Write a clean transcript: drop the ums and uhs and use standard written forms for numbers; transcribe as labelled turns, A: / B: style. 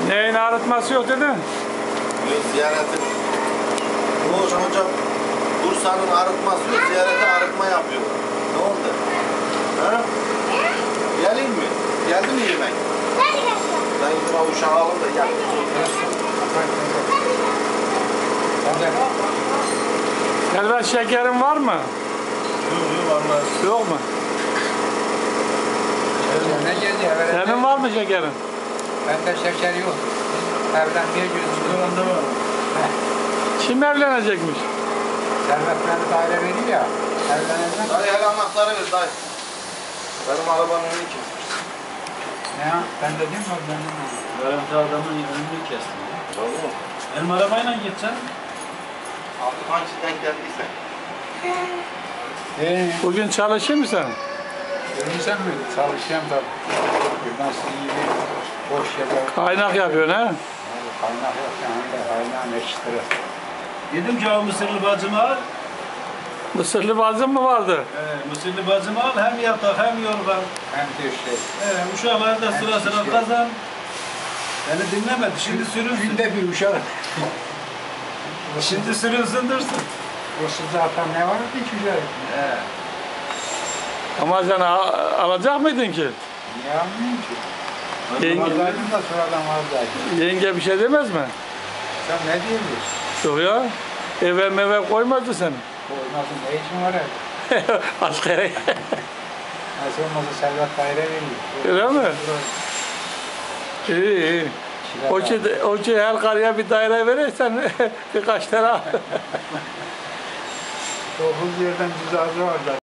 A: Neyin arıtması yok dedin?
B: Yok, ziyareti. Oğuzhan hocam Bursa'nın arıtması yok, ziyarete arıtma yapıyor. Ne oldu? Ha? Gelin mi? Geldi mi yemek? Ben yine uşağı alın da gel.
A: Elbet şekerin var mı?
B: Yok vallahi.
A: Yok mu?
C: Ne geldi evvel?
A: Senin var mı şekerin?
C: Bende şeker yok. Evlenmeye gözüküyor.
A: Kim evlenecekmiş?
C: Servet beni daire veriyor ya. Evleneceğim.
B: Dayı hele anahtarı ver dayı. Benim arabanın önünü kesmiş.
C: Ne ya? Ben de değil mi o benim?
D: Garanti adamın önünü kestim.
B: Doğru mu?
D: Benim arabayla gideceğim.
B: Altı hangi denk geldiyse.
A: Bugün çalışır mısın?
C: Görürsen mi? Çalışacağım da. Nasıl iyi bir boş yapar.
A: Kaynak yapıyorsun ha?
C: Kaynak yok yani de kaynağın eşitleri.
D: Dedim ki o Mısırlı bacımı al.
A: Mısırlı bazın mı vardı?
D: Mısırlı bacımı al. Hem yatak hem yorgan.
C: Hem de şey.
D: Uşaklar da sıra sıra kazan. Beni dinlemedi. Şimdi sürünsün.
C: Günde bir uşak.
D: Şimdi sürünsün dursun.
C: Yoksa zaten ne vardı ki uşak?
A: Ama sen alacak mıydın ki?
C: Niye almayayım ki?
A: Yenge,
C: Vardaydım da sonradan vardaydım.
A: yenge bir şey demez mi?
C: Sen ne diyorsun?
A: Yok ya. Eve meve koymazdı seni.
C: Koymazsın ne işin var evde?
A: Askere.
C: Nasıl olmazsa Servet daire veriyor.
A: Öyle mi? İyi iyi. O ki her karıya bir daire verirsen birkaç tane al.
C: 9 yerden cüzazı var da.